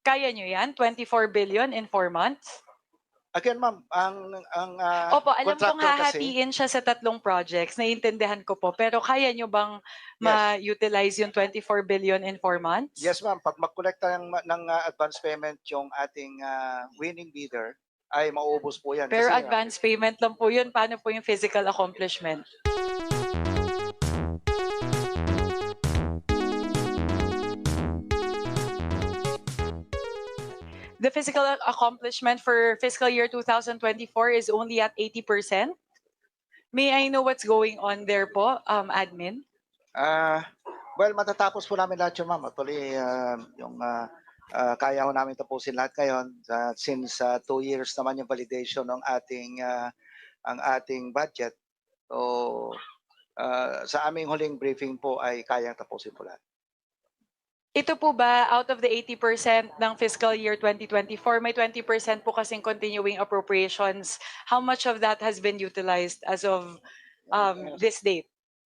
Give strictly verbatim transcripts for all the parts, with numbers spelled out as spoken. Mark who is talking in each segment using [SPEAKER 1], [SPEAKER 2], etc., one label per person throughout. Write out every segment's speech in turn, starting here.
[SPEAKER 1] Kaya nyo yan? twenty-four billion in four months?
[SPEAKER 2] Again, ma'am, ang ang uh,
[SPEAKER 1] Opo, alam kong
[SPEAKER 2] contractor kasi,
[SPEAKER 1] hahatiin siya sa tatlong projects. Naiintindihan ko po. Pero kaya nyo bang
[SPEAKER 2] yes,
[SPEAKER 1] ma-utilize yung twenty-four billion in four months?
[SPEAKER 2] yes ma'am, pag mag-collecta ng, ng uh, advance payment yung ating uh, winning bidder, ay mauubos po yan.
[SPEAKER 1] Pero
[SPEAKER 2] Kasi,
[SPEAKER 1] advance payment lang po yun. Paano po yung physical accomplishment? The physical accomplishment for fiscal year two thousand twenty-four is only at eighty percent. May I know what's going on there po, um, admin?
[SPEAKER 2] Uh, well, matatapos po namin lahat yun, ma'am. Actually, uh, yung uh, uh, kaya ho namin tapusin lahat ngayon uh, since uh, two years naman yung validation ng ating uh, ang ating budget. So, uh, sa aming huling briefing po ay kayang tapusin po lahat.
[SPEAKER 1] Ito po ba, out of the eighty percent ng fiscal year twenty twenty-four, may twenty percent po kasing continuing appropriations. How much of that has been utilized as of um, this date?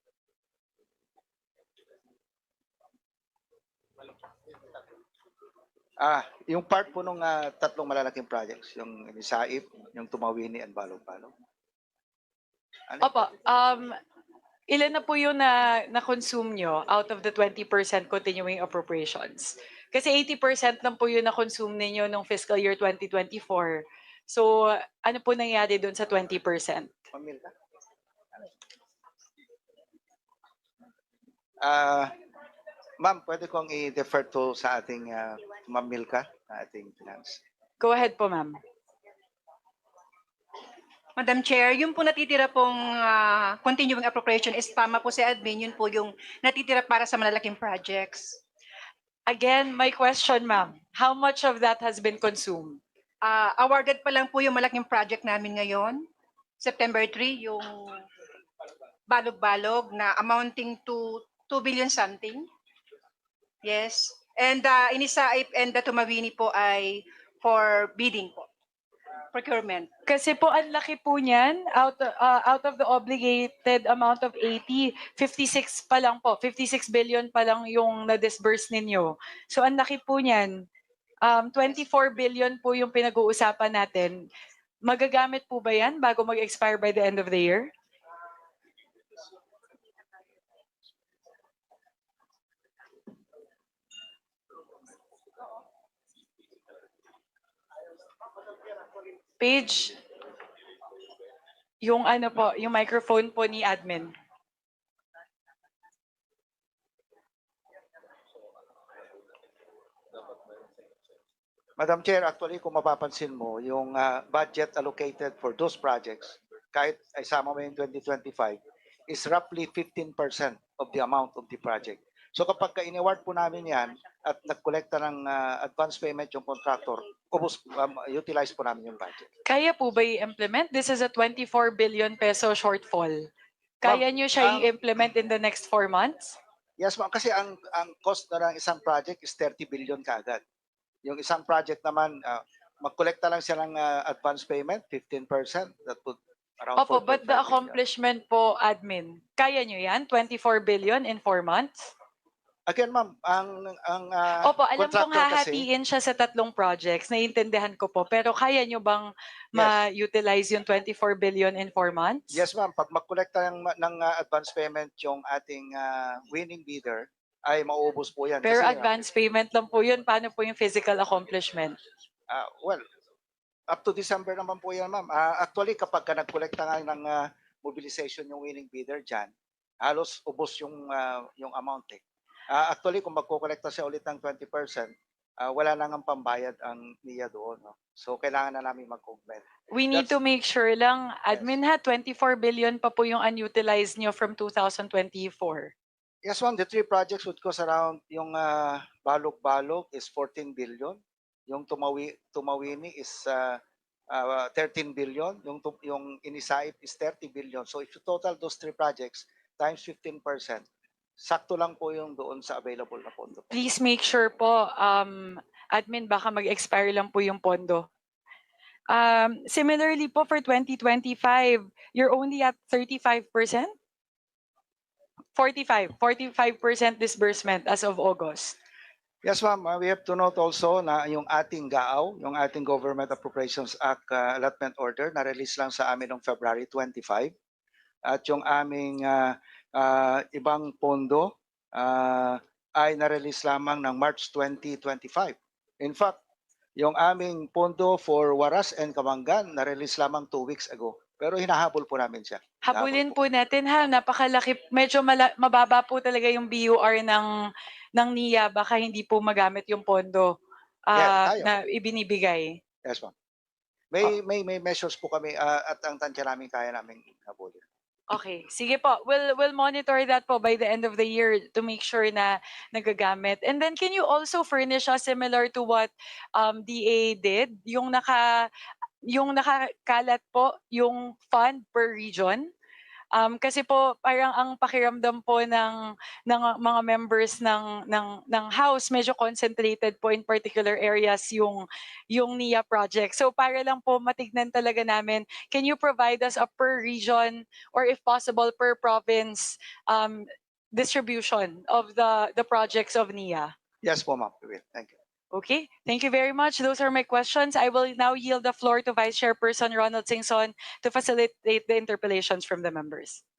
[SPEAKER 2] Ah, yung part po nung uh, tatlong malalaking projects, yung Nisaip, yung Tumawini, and Balog-Balog. Ano?
[SPEAKER 1] Opo, um, ilan na po yung na, na-consume nyo out of the twenty percent continuing appropriations? Kasi eighty percent lang po yung na-consume ninyo nung fiscal year twenty twenty-four. So, ano po nangyari doon sa twenty percent?
[SPEAKER 2] Ah, uh, ma'am, pwede kong i-defer to sa ating uh, Ma'am Milka, ating finance.
[SPEAKER 1] Go ahead po, ma'am.
[SPEAKER 3] Madam Chair, yung po natitira pong uh, continuing appropriation is tama po si admin, yun po yung natitira para sa malalaking projects.
[SPEAKER 1] Again, my question, ma'am, how much of that has been consumed?
[SPEAKER 3] Uh, awarded pa lang po yung malaking project namin ngayon, September third, yung Balog-Balog na amounting to two billion something. Yes. And uh, Inisaip and the Tumawini po ay for bidding po. Procurement.
[SPEAKER 1] Kasi po ang laki po niyan, out, uh, out of the obligated amount of eighty, fifty-six pa lang po, fifty-six billion pa lang yung na-disburse ninyo. So ang laki po niyan, um, twenty-four billion po yung pinag-uusapan natin. Magagamit po ba yan bago mag-expire by the end of the year? Page, yung ano po, yung microphone po ni admin.
[SPEAKER 2] Madam Chair, actually kung mapapansin mo, yung uh, budget allocated for those projects, kahit isama mo yung twenty twenty-five, is roughly fifteen percent of the amount of the project. So kapag ka-inaward po namin yan at nag-collecta ng uh, advance payment yung contractor, ubos, um, utilize po namin yung budget.
[SPEAKER 1] Kaya po ba i-implement? This is a twenty-four billion peso shortfall. Kaya nyo siya
[SPEAKER 2] um,
[SPEAKER 1] i-implement in the next four months?
[SPEAKER 2] Yes ma'am, kasi ang, ang cost na ng isang project is thirty billion kaagad. Yung isang project naman, uh, mag-collecta lang siya ng uh, advance payment, fifteen percent. That would around
[SPEAKER 1] Opo, but the accomplishment po, admin, kaya nyo yan? twenty-four billion in four months?
[SPEAKER 2] Again, ma'am, ang ang uh,
[SPEAKER 1] Opo, alam kong
[SPEAKER 2] contractor kasi,
[SPEAKER 1] hahatiin siya sa tatlong projects. Naiintindihan ko po. Pero kaya nyo bang
[SPEAKER 2] Yes.
[SPEAKER 1] ma-utilize yung twenty-four billion in four months?
[SPEAKER 2] yes ma'am, pag mag-collecta ng, ng uh, advance payment yung ating uh, winning bidder, ay mauubos po yan.
[SPEAKER 1] Pero
[SPEAKER 2] Kasi,
[SPEAKER 1] advance payment lang po yun. Paano po yung physical accomplishment?
[SPEAKER 2] Uh, well, up to December naman po yan, ma'am. Uh, actually, kapag ka nag-collecta nga ng uh, mobilization yung winning bidder dyan, halos ubos yung, uh, yung amount eh. Uh, actually, kung magkukolekta siya ulit ng twenty percent, uh, wala na nga pambayad ang niya doon. No? So, kailangan na namin mag-augment.
[SPEAKER 1] We need
[SPEAKER 2] That's-
[SPEAKER 1] to make sure lang, admin ha, twenty-four billion pa po yung unutilized nyo from two thousand twenty-four.
[SPEAKER 2] Yes, ma'am. The three projects would cost around yung uh, Balog-Balog is fourteen billion. Yung Tumawi, Tumawini is uh, uh, thirteen billion. Yung, yung Inisaip is thirty billion. So if you total those three projects times fifteen percent, sakto lang po yung doon sa available na pondo.
[SPEAKER 1] Please make sure po, um, admin, baka mag-expire lang po yung pondo. Um, similarly po for twenty twenty-five, you're only at thirty-five percent? forty-five, forty-five percent disbursement as of August.
[SPEAKER 2] Yes, ma'am. Uh, we have to note also na yung ating G A O, yung ating Government Appropriations Act uh, Allotment Order, na-release lang sa amin noong February twenty-five. At yung aming uh, uh, ibang pondo uh, ay na-release lamang ng March twenty twenty-five. In fact, yung aming pondo for Waras and Kamangan, na-release lamang two weeks ago. Pero hinahabol po namin siya.
[SPEAKER 1] Habulin
[SPEAKER 2] Hinahabol
[SPEAKER 1] po natin ha, napakalaki, medyo mala, mababa po talaga yung B U R ng, ng N I A, baka hindi po magamit yung pondo
[SPEAKER 2] Yeah,
[SPEAKER 1] ah,
[SPEAKER 2] tayo.
[SPEAKER 1] na ibinibigay.
[SPEAKER 2] Yes, ma'am. May, may, may measures po kami uh, at ang tansya namin kaya namin habulin.
[SPEAKER 1] Okay, sige po. We'll we'll monitor that po by the end of the year to make sure na nagagamit. And then can you also furnish us similar to what um, D A did, yung naka yung nakakalat po yung fund per region? Um, kasi po parang ang pakiramdam po ng ng mga members ng ng ng house medyo concentrated po in particular areas yung yung N I A project. So para lang po matignan talaga namin, can you provide us a per region or if possible per province um, distribution of the the projects of N I A?
[SPEAKER 2] Yes po, ma'am. We will. Thank you.
[SPEAKER 1] Okay, thank you very much. Those are my questions. I will now yield the floor to Vice Chairperson Ronald Singson to facilitate the interpellations from the members.